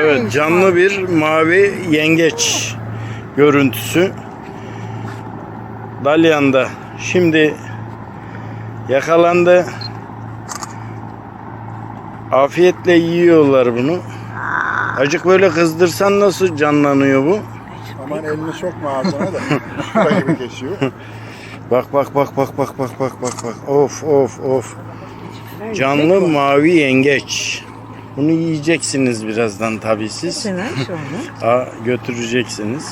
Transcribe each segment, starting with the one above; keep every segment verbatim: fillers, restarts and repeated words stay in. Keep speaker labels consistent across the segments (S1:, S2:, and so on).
S1: Evet, canlı bir mavi yengeç görüntüsü. Dalyan'da şimdi yakalandı. Afiyetle yiyorlar bunu. Acık böyle kızdırsan nasıl canlanıyor bu?
S2: Aman elini sokma ağzına da. Şurada gibi kesiyor.
S1: Bak bak bak bak bak bak bak bak bak. Of of of. Canlı mavi yengeç. Bunu yiyeceksiniz birazdan tabii siz. Aa, götüreceksiniz.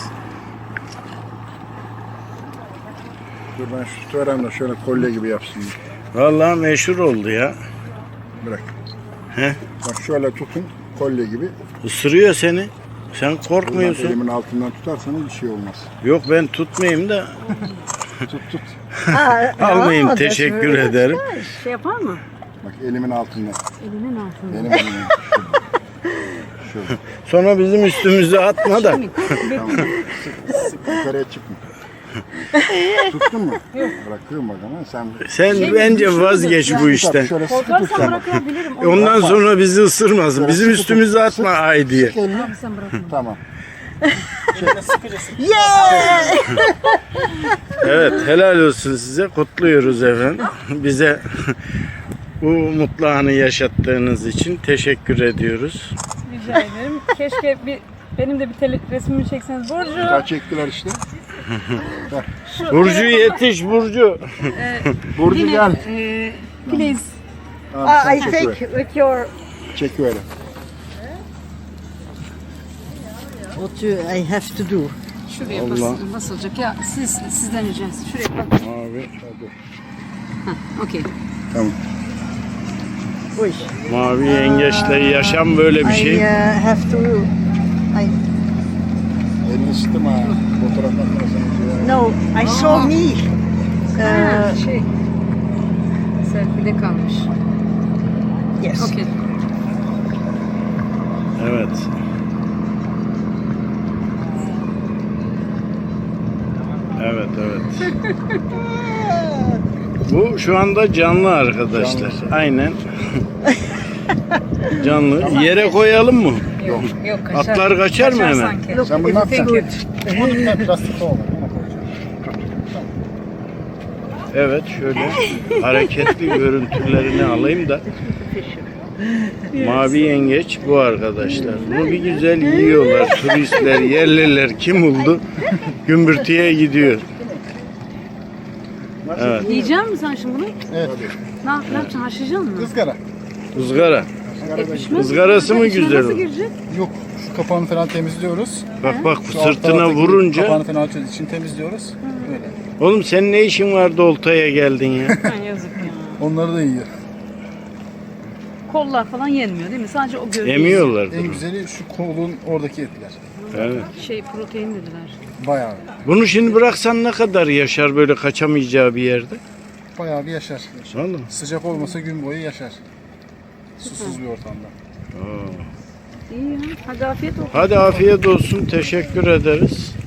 S2: Dur ben şu tutarım da şöyle kolye gibi yapsın.
S1: Vallahi meşhur oldu ya.
S2: Bırak.
S1: He?
S2: Bak şöyle tutun kolye gibi.
S1: Isırıyor seni. Sen korkmuyorsun.
S2: Elimin altından tutarsanız bir şey olmaz.
S1: Yok ben tutmayayım da.
S2: Tut tut.
S1: Almayayım, teşekkür ederim.
S3: Şey yapar mı?
S2: Bak elimin altından.
S3: Elinin altında.
S2: Benim elimin. Şöyle.
S1: Sonra bizim üstümüze atma da.
S2: Tamam. Sık yukarıya çıkma. Tuttun mu? Yok. Bırakıyorum bak ama sen.
S1: Sen bence vazgeç bu işten.
S2: Şöyle sıkı
S3: Korkarsan
S2: tut sen.
S3: bırakabilirim.
S1: Ondan sonra bizi ısırmasın. Bizim üstümüze atma ay diye.
S2: Sık elini.
S3: Abi sen bırakma.
S2: Tamam.
S1: Evet, helal olsun size. Kutluyoruz efendim. Bize bu mutlu anı yaşattığınız için teşekkür ediyoruz.
S3: Rica ederim. Keşke bir benim de bir tele, resmimi çekseniz. Burcu.
S2: Daha çektiler işte.
S1: Burcu yetiş Burcu.
S2: Burcu gel.
S3: E, please.
S2: Tamam,
S4: Uh,
S2: sen
S4: I
S2: çek
S4: take
S2: öyle.
S4: with your
S2: Çek öyle.
S4: what you, I have to do.
S3: Şuraya
S1: Allah.
S3: bas, basılacak. Ya siz sizden ricası. Şuraya bak.
S1: Mavi,
S3: Okey.
S2: Tamam.
S4: Uy.
S1: mavi yengeçle yaşam böyle bir
S4: I
S1: şey.
S4: uh, have to. I
S2: Elini ısıtma. Fotoğraf makinesini.
S4: no. I saw me.
S3: Ha,
S4: Uh,
S3: şey. Selfie'de kalmış.
S4: yes.
S3: Okey.
S1: Evet. Evet, evet. Bu şu anda canlı arkadaşlar. Aynen. Canlı. Yere koyalım mı?
S3: Yok, yok kaçar.
S1: Atlar kaçar mı hemen?
S3: sanki.
S4: Look,
S2: Sen bunu ne
S4: it's
S2: yapacaksın?
S4: good.
S2: Bunu bir plastik olmadı.
S1: Evet, şöyle hareketli görüntülerini alayım da. Mavi yengeç bu arkadaşlar. Bunu bir güzel yiyorlar. Turistler, yerliler kim buldu? Gümbürtüye gidiyor. Evet.
S3: Yiyecek misin sen şimdi bunu?
S2: Evet.
S3: Ne, ne yapacaksın? Haşlayacaksın mı?
S2: Izgara.
S1: Izgara.
S3: E, pişmez.
S1: Izgarası mı
S3: İçine
S1: güzel
S3: Nasıl
S1: o?
S3: girecek?
S2: Yok. Şu kapağını falan temizliyoruz.
S1: Bak bak
S2: Şu alt
S1: sırtına
S2: taraftaki
S1: vurunca.
S2: Kapağını falan için temizliyoruz. Böyle.
S1: Oğlum senin ne işin vardı oltaya geldin ya?
S3: Ha, yazık ya.
S2: Onları da yiyor.
S3: Kollar falan yenmiyor değil mi? Sadece o gövde.
S1: Emiyorlar.
S2: En güzeli şu kolun oradaki etler.
S1: Evet.
S3: Şey protein dediler.
S2: Bayağı.
S1: Bunu şimdi bıraksan ne kadar yaşar böyle kaçamayacağı bir yerde?
S2: Bayağı bir yaşar.
S1: Vallahi.
S2: Sıcak olmasa gün boyu yaşar. Susuz bir ortamda.
S1: Aa.
S3: İyi ya. Hadi afiyet olsun.
S1: Hadi afiyet olsun. Teşekkür ederiz.